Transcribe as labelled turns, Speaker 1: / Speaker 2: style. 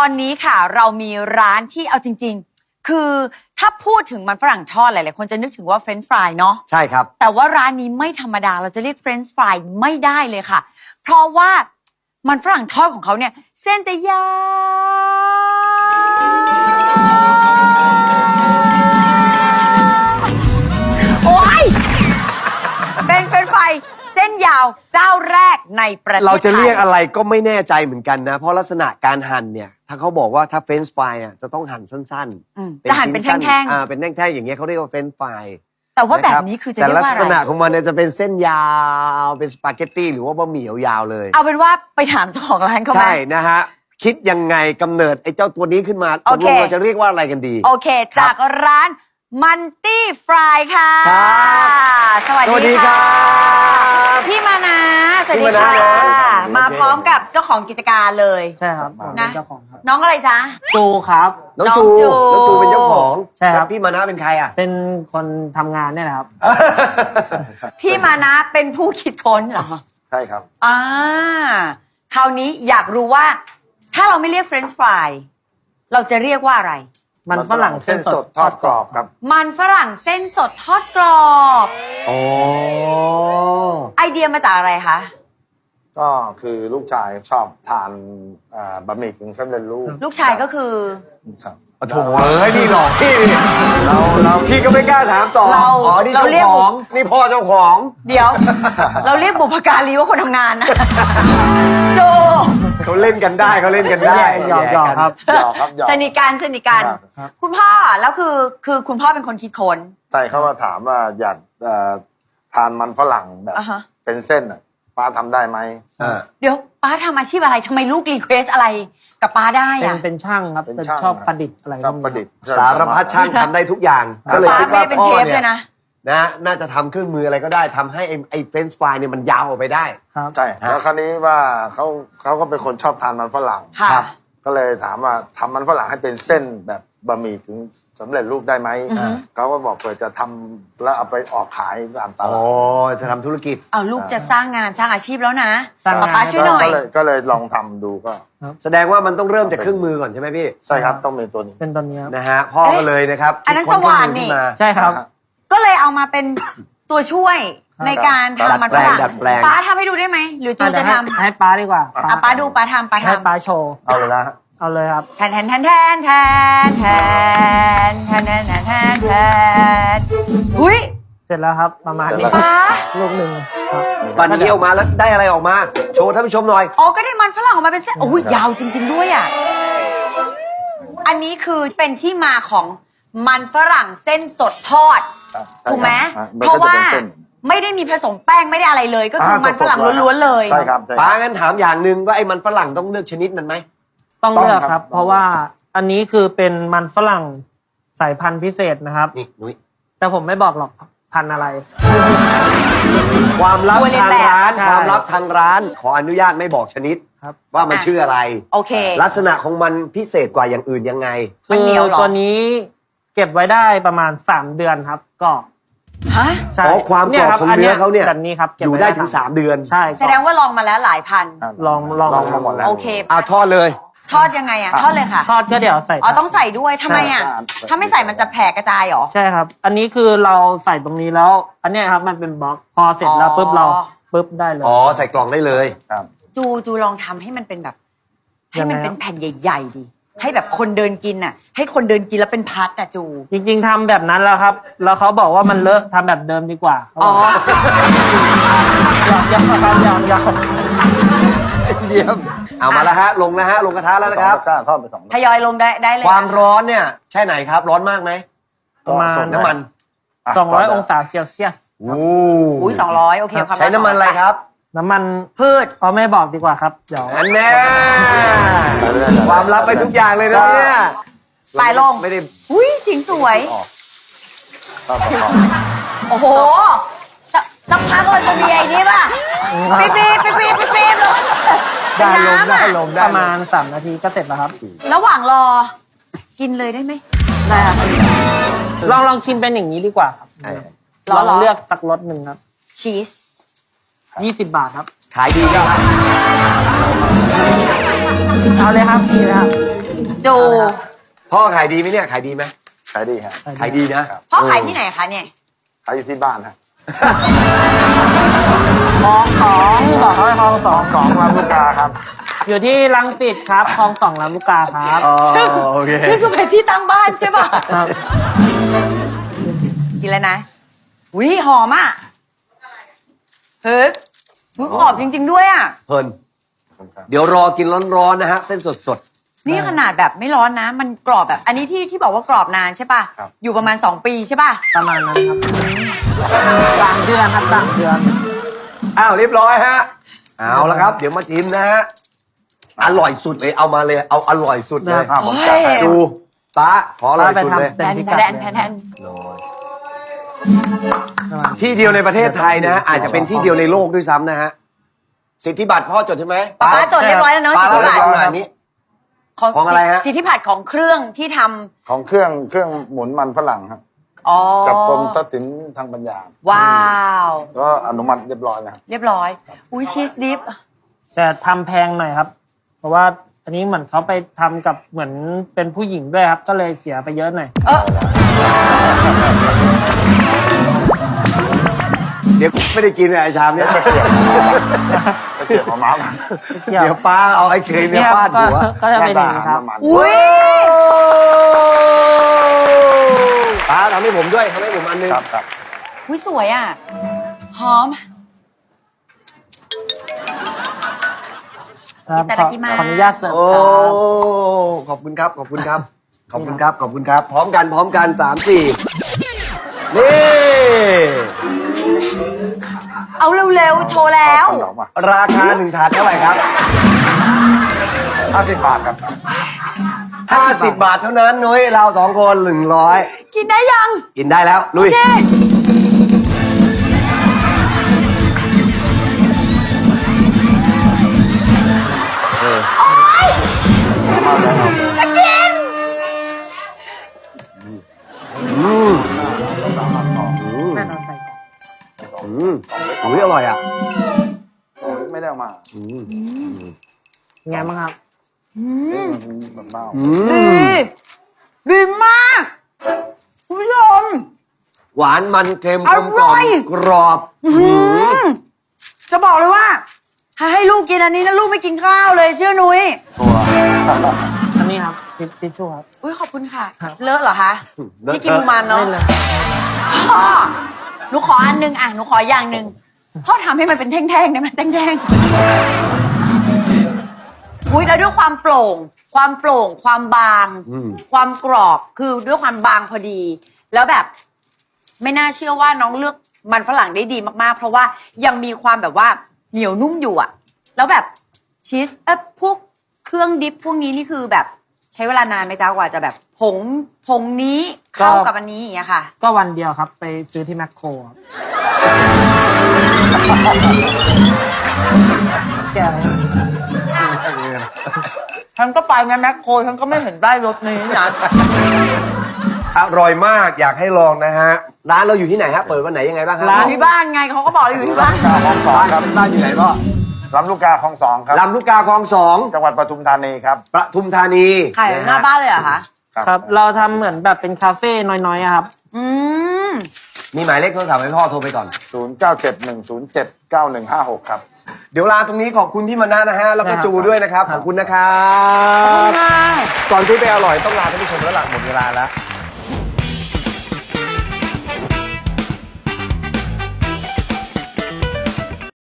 Speaker 1: อนนี้ค่ะเรามีร้านที่เอาจริงๆคือถ้าพูดถึงมันฝรั่งทอดหลายๆคนจะนึกถึงว่าเฟรนช์ฟรายเนาะ
Speaker 2: ใช่ครับ
Speaker 1: แต่ว่าร้านนี้ไม่ธรรมดาเราจะเรียกเฟรนช์ฟรายไม่ได้เลยค่ะเพราะว่ามันฝรั่งทอดของเขาเนี่ยเส้นจะยาวโอ๊ยเป็นเฟรนช์ฟรายเส้นยาวเจ้าแรกในประเทศไทย
Speaker 2: เราจะเรียกอะไรก็ไม่แน่ใจเหมือนกันนะเพราะลักษณะการหั่นเนี่ยถ้าเขาบอกว่าถ้าเฟรนช์ฟรายจะต้องหั่นสั้นๆ
Speaker 1: จะหั่นเป็นแท่ง
Speaker 2: ๆเป็นแท่งๆอย่างเงี้ยเขาเรียกว่าเฟรนช์ฟราย
Speaker 1: แต่ว่าแบบนี้คือจะเรียกว่าอะไร
Speaker 2: แต่ลักษณะของมันเนี่ยจะเป็นเส้นยาวเป็นสปาเกตตี้หรือว่าบะหมี่ยาวๆเลย
Speaker 1: เอาเป็นว่าไปถามเจ้าของร้านเขาไหม
Speaker 2: ใช่นะฮะคิดยังไงกำเนิดไอ้เจ้าตัวนี้ขึ้นมาตกลงเราจะเรียกว่าอะไรกันดี
Speaker 1: โอเคจากร้านมันตี้ฟรายค่ะสวัสดีค่ะพี่มานะสวัสดีค่ะมาพร้อมกับเจ้าของกิจการเลย
Speaker 3: ใช่ครับ
Speaker 1: นะ
Speaker 3: เจ้าของครับ
Speaker 1: น้องอะไรจ๊ะ
Speaker 3: จูครับ
Speaker 2: น้องจูเป็นเจ้าของ
Speaker 3: ใช่ครับ
Speaker 2: พี่มานะเป็นใครอ่ะ
Speaker 3: เป็นคนทำงานเนี่ยแหละครับ
Speaker 1: พี่มานะเป็นผู้คิดค้นเหรอ
Speaker 4: ใช่ครับ
Speaker 1: คราวนี้อยากรู้ว่าถ้าเราไม่เรียกเฟรนช์ฟรายเราจะเรียกว่าอะไร
Speaker 3: มันฝรั่งเส้นสด
Speaker 4: ทอดกรอบครับ
Speaker 1: มันฝรั่งเส้นสดทอดกรอบ
Speaker 2: อ๋อ
Speaker 1: ไอเดียมาจากอะไรคะ
Speaker 4: ก็คือลูกชายชอบทานบะหมี่กึ่งสำเร็จรูป
Speaker 1: ลูกชายก็คือ
Speaker 4: ครับ
Speaker 2: โถ่นี่หลอกพี่นี่เราพี่ก็ไม่กล้าถามต่อนี่เจ้าของนี่พ่อเจ้าของ
Speaker 1: เดี๋ยวเราเรียกบุพการีว่าคนทำงานนะโจ
Speaker 2: เขาเล่นกันได้เขาเล่นกันได้
Speaker 3: หยอกครับ
Speaker 1: สนิทกันคุณพ่อแล้วคือคุณพ่อเป็นคนคิดค้น
Speaker 4: ใช่เขามาถามว่าอยากทานมันฝรั่งแบบเป็นเส้นป้าทำได้ไหม
Speaker 1: เดี๋ยวป้าทำอาชีพอะไรทำไมลูกรีเควสอะไรกับป้าได้อะ
Speaker 3: เป็นช่างครับเป็นชอบประดิษฐ์อะไร
Speaker 4: ชอบประดิษฐ์
Speaker 2: สารพัดช่างทำได้ทุกอย่างก็เลยคิดว่า
Speaker 1: เป็นเชฟเลยนะ
Speaker 2: น่าจะทำเครื่องมืออะไรก็ได้ทำให้ไอ้เฟรนช์ฟรายเนี่ยมันยาวออกไปได้
Speaker 4: ใช่แล้วคราวนี้ว่าเขาก็เป็นคนชอบทานมันฝรั่ง
Speaker 1: ครับ
Speaker 4: ก็เลยถามว่าทำมันฝรั่งให้เป็นเส้นแบบบะหมี่ถึงสำเร็จรูปได้ไหมเขาก็บอกเผื่อจะทำแล้วเอาไปออกขายตามตลาด
Speaker 2: จะทำธุรกิจ
Speaker 1: ลูกจะสร้างงานสร้างอาชีพแล้วนะป้าช่วยหน่อย
Speaker 4: ก็เลยลองทำดูก็
Speaker 2: แสดงว่ามันต้องเริ่มจากเครื่องมือก่อนใช่ไหมพี่
Speaker 4: ใช่ครับต้องเป็นตัวนี้
Speaker 3: เป็นตัวนี้
Speaker 2: นะฮะพ่อก็เลยนะครับ
Speaker 1: อันนั้นสว่านนี่
Speaker 3: ใช่ครับ
Speaker 1: ก็เลยเอามาเป็นตัวช่วยในการทำมันฝรั่งป้าทำให้ดูได้ไหมหรือจูจะทำ
Speaker 3: ให้ป้าดีกว่า
Speaker 1: ป้าดูป้าทำ
Speaker 3: ให้ป้าโชว์
Speaker 4: เอาเลยนะ
Speaker 3: เอาเลยครับ
Speaker 1: แทนหุ้ย
Speaker 3: เสร็จแล้วครับประมาณนี้ลูกหนึ่ง
Speaker 2: บันนี้ออกมาแล้วได้อะไรออกมาโชว์ท่านผู้ชมหน่อย
Speaker 1: ก็ได้มันฝรั่งออกมาเป็นเส้นยาวจริงๆด้วยอ่ะอันนี้คือเป็นที่มาของมันฝรั่งเส้นสดทอดถูกไหมเพราะว่าไม่ได้มีผสมแป้งไม่ได้อะไรเลยก็คือมันฝรั่งล้วนๆเลย
Speaker 4: ใช่ครับ
Speaker 2: ป้างั้นถามอย่างหนึ่งว่าไอ้มันฝรั่งต้องเลือกชนิดนั้นไหม
Speaker 3: ต้องเลือกครับเพราะว่าอันนี้คือเป็นมันฝรั่งสายพันธุ์พิเศษนะครับ
Speaker 2: นี่นุ้ย
Speaker 3: แต่ผมไม่บอกหรอกพันธุ์อะไร
Speaker 2: ความลับทางร้านความลับทางร้านขออนุญาตไม่บอกชนิดว่ามันชื่ออะไร
Speaker 1: โอเค
Speaker 2: ลักษณะของมันพิเศษกว่าอย่างอื่นยังไง
Speaker 1: มันเหนียวหรอ
Speaker 3: ตัวนี้เก็บไว้ได้ประมาณ3 เดือนครับก็
Speaker 2: ใช่ความกรอบของเนื้อเขาเนี่ยอยู่ได้ถึง3 เดือน
Speaker 3: ใช่
Speaker 1: แสดงว่าลองมาแล้วหลายพัน
Speaker 3: ลอง
Speaker 4: มาหมดแล้ว
Speaker 1: โอเค
Speaker 2: ทอดเลย
Speaker 1: ทอดยังไงทอดเลยค่ะ
Speaker 3: ทอดก็เดี๋ยวใส่
Speaker 1: ต้องใส่ด้วยทำไมถ้าไม่ใส่มันจะแผ่กระจายหรอ
Speaker 3: ใช่ครับอันนี้คือเราใส่ตรงนี้แล้วอันนี้ครับมันเป็นบล็อกพอเสร็จแล้วปุ๊บเราปุ๊บได้เลย
Speaker 2: ใส่กล่องได้เลย
Speaker 4: ครับ
Speaker 1: จูลองทำให้มันเป็นแบบให้มันเป็นแผ่นใหญ่ๆดิให้แบบคนเดินกินให้คนเดินกินแล้วเป็นพัดจู
Speaker 3: จริงๆทำแบบนั้นแล้วครับแล้วเขาบอกว่ามันเลอะทำแบบเดิมดีกว่า
Speaker 2: ยังเยี่ยมเอามาแล้วฮะลงนะฮะลงกระทะแล้วนะครับ
Speaker 4: ทอดไป2
Speaker 1: ทยอยลงได้เลย
Speaker 2: ความร้อนเนี่ยแค่ไหนครับร้อนมากไหม
Speaker 3: ประมาณ
Speaker 2: น้ำมัน
Speaker 3: 200 องศาเซลเซียส
Speaker 1: 200โอเค
Speaker 2: ใช้น้ำมันอะไรครับ
Speaker 3: น้ำมัน
Speaker 1: พืช
Speaker 3: ไม่บอกดีกว่าครับเดี๋ยว
Speaker 2: อันแน่ความลับไปทุกอย่างเลยนะเนี่ย
Speaker 1: ปลายลง
Speaker 2: ไม่ได้
Speaker 1: เสียงสวยโอ้โหสักพักเราจะมีไอ้นี่ป่ะปี๊บ
Speaker 2: ได้ลม
Speaker 3: ประมาณ3 นาทีก็เสร็จแล้วครับ
Speaker 1: ระหว่างรอกินเลยได้ไหม
Speaker 3: ได้ครับลองชิมเป็นอย่างนี้ดีกว่าครับลองเลือกสักรสหนึ่งครับ
Speaker 1: ชีส
Speaker 3: 20 บาทครับ
Speaker 2: ขายดีครับ
Speaker 3: เอาเลยครับดีเลยครับ
Speaker 1: จู
Speaker 2: พ่อขายดีไหมเนี่ยขายดีไหม
Speaker 4: ขายดีครับ
Speaker 2: ขายดีนะ
Speaker 1: พ่อขายที่ไหนคะเนี่ย
Speaker 4: ขายอยู่ที่บ้านครับ
Speaker 3: คลองสองบอกเขาไปคลองสอง
Speaker 4: สองลำลูกกาครับ
Speaker 3: อยู่ที่รังสิตครับคลองสองลำลูกกาครับ
Speaker 2: อ๋อโอเค
Speaker 1: นี่คือเป็นที่ตั้งบ้านใช่ป่ะ
Speaker 3: ครับ
Speaker 1: กินแล้วนะอุ้ยหอมอ่ะเฮ้ยอุ๊ยกรอบจริง ๆ ด้วยอ่ะ
Speaker 2: เพลินเดี๋ยวรอกินร้อนๆนะฮะเส้นสด
Speaker 1: นี่ขนาดแบบไม่ร้อนนะ มันกรอบแบบ อันนี้ที่บอกว่ากรอบนานใช่ป่ะ
Speaker 4: ครับ
Speaker 1: อยู่ประมาณ2 ปีใช่ป่ะ
Speaker 3: ประมาณนั้นครับ3 เดือนครับ3 เดือน
Speaker 2: ๆอ้าวเรียบร้อยฮะเอาละครับ เดี๋ยวมาชิมนะฮะอร่อยสุดเลยเอามาเลยเอาอร่อยสุดเลย
Speaker 4: ครับผมจัดให้
Speaker 2: ดูตาขออร่อยสุดเลย
Speaker 3: เป็
Speaker 1: แท
Speaker 3: น
Speaker 1: น
Speaker 3: พิกัด
Speaker 1: แทนแทน
Speaker 2: ที่เดียวในประเทศไทยนะฮะอาจจะเป็นที่เดียวในโลกด้วยซ้ำนะฮะสิทธิบัตรพ่อจดใช่ไหม
Speaker 1: ป้าจดเรียบร้อยแล้วเนาะ
Speaker 2: ป้า
Speaker 1: สิท
Speaker 2: เรา
Speaker 1: ธิ
Speaker 2: ได้
Speaker 1: บัตร
Speaker 2: ฟังหน่อยอันนี้
Speaker 1: ของ
Speaker 2: ของอะไรฮะ
Speaker 1: สิทธิบัตรของเครื่องที่ทำ
Speaker 4: ของเครื่องหมุนมันฝรั่งครับ
Speaker 1: อ๋อ
Speaker 4: กับกรมทรัพย์สินทางปัญญา
Speaker 1: ว้าว
Speaker 4: ก็อนุมัติเรียบร้อยแล้ว
Speaker 1: เรียบร้อย อุ้ยชีสดิฟ
Speaker 3: แต่ทำแพงหน่อยครับ เพราะว่าอันนี้เหมือนเขาไปทำกับเหมือนเป็นผู้หญิงด้วยครับ ก็เลยเสียไปเยอะหน่อย
Speaker 2: เดี๋ยวไม่ได้กินเลยไอ้ชามเนี้ย
Speaker 4: ไปเกี่ยวกับม้ามัน
Speaker 2: เดี๋ยวป้าเอาไอ้เคยเนี่ยฟาดหัว
Speaker 3: ก็จะเป็นอย่างนี้ครับ
Speaker 4: ประมาณ
Speaker 1: อุ้ย
Speaker 2: ป้าทำให้ผมด้วยทำให้ผมอันนึง
Speaker 4: ครับครับ
Speaker 1: อุ้ยสวยอ่ะ หอม
Speaker 3: ครับ
Speaker 1: อิตาลีมา
Speaker 3: ขออนุญาตเสิร์ฟ
Speaker 2: โอ้
Speaker 3: ครับ
Speaker 2: ขอบคุณครับขอบคุณครับขอบคุณครับขอบคุณครับ พร้อมกัน3-4นี่
Speaker 1: เอาเร็วๆ โชว์แล้ว
Speaker 4: ขนมอ่ะ
Speaker 2: ราคา1ถาดเท่าไหร่ครับ
Speaker 4: 50 บาทครับ
Speaker 2: 50 บาทเท่านั้นนุ้ยเรา2 คน100
Speaker 1: กินได้ยัง
Speaker 2: กินได้แล้วลุย
Speaker 1: เจ๊จะกิน
Speaker 3: แม่นอนใส่กล่อง
Speaker 2: อุ้ยอร่อยอ่ะ
Speaker 4: ไม่ได้เอามา
Speaker 3: เป็นไงบ้างครับ
Speaker 4: แบบเบ้า
Speaker 1: ดีดีมากคุณผู้ชม
Speaker 2: หวานมันเค็ม
Speaker 1: อก
Speaker 2: ลมก
Speaker 1: ร่
Speaker 2: ล่อ
Speaker 1: อย
Speaker 2: มกรอบ
Speaker 1: จะบอกเลยว่า ถ้าให้ลูกกินอันนี้นะลูกไม่กินข้าวเลยเชื่อนุ้ย
Speaker 4: ชัวร์
Speaker 3: อันนี้ครับทิชชู่ครับ
Speaker 1: อุ้ยขอบคุณค่ะ
Speaker 3: ครับ
Speaker 1: เลอะเหรอคะ
Speaker 2: เลอะ
Speaker 1: พี่กินมูมานเนาะ
Speaker 3: ไม่เลย
Speaker 1: พ่อหนูขออันนึงอ่ะหนูขออย่างหนึ่งพ่อทำให้มันเป็นแท่งๆได้ไหมแท่งๆอุ้ยแล้วด้วยความโปร่ง ความบาง ความกรอบคือด้วยความบางพอดี แล้วแบบ ไม่น่าเชื่อว่าน้องเลือกมันฝรั่งได้ดีมากๆ เพราะว่ายังมีความแบบว่าเหนียวนุ่มอยู่อะแล้วแบบชีสพวกเครื่องดิฟพวกนี้นี่คือแบบใช้เวลานานไหมจ๊ะกว่าจะแบบผงนี้เข้ากับอันนี้อย่างเงี้ยค่ะ
Speaker 3: ก็วันเดียวครับ ไปซื้อที่แมคโครครับแก่เลย
Speaker 1: ฉันก็ไปนะแมคโครฉันก็ไม่เห็นได้รสนี้นะ
Speaker 2: อร่อยมากอยากให้ลองนะฮะ ร้านเราอยู่ที่ไหนฮะ เปิดวันไหนยังไงบ้างครับ
Speaker 1: อยู่ที่บ้านไงเขาก็บอกอยู่ที่บ้าน
Speaker 4: คลองสอง
Speaker 2: บ้าน
Speaker 4: ครับ
Speaker 2: บ้านอยู่ไหนพ่อ
Speaker 4: ลำลูกกาคลองสองครับ
Speaker 2: ลำลูกกาคลอง2
Speaker 4: จังหวัดปทุมธานีครับ
Speaker 2: ปทุมธานี
Speaker 1: ขายหน้าบ้านเลยเหรอคะ
Speaker 3: ครับ เราทำเหมือนแบบเป็นคาเฟ่น้อยๆอะครับ
Speaker 1: อืม
Speaker 2: มีหมายเลขโทรศัพท์ให้พ่อโทรไปก่อน
Speaker 4: 0971079156 ครับ
Speaker 2: เดี๋ยวลาตรงนี้ขอบคุณพี่มานะนะฮะ แล้วก็
Speaker 3: ครับ
Speaker 2: จูด้วยนะครับ
Speaker 3: ครั
Speaker 2: ข
Speaker 3: บ
Speaker 2: อบคุณนะครับ ก่อนที่ไปอร่อยต้องลาท่านผู้ชมแล้วล่ะหมดเวลาแล้ว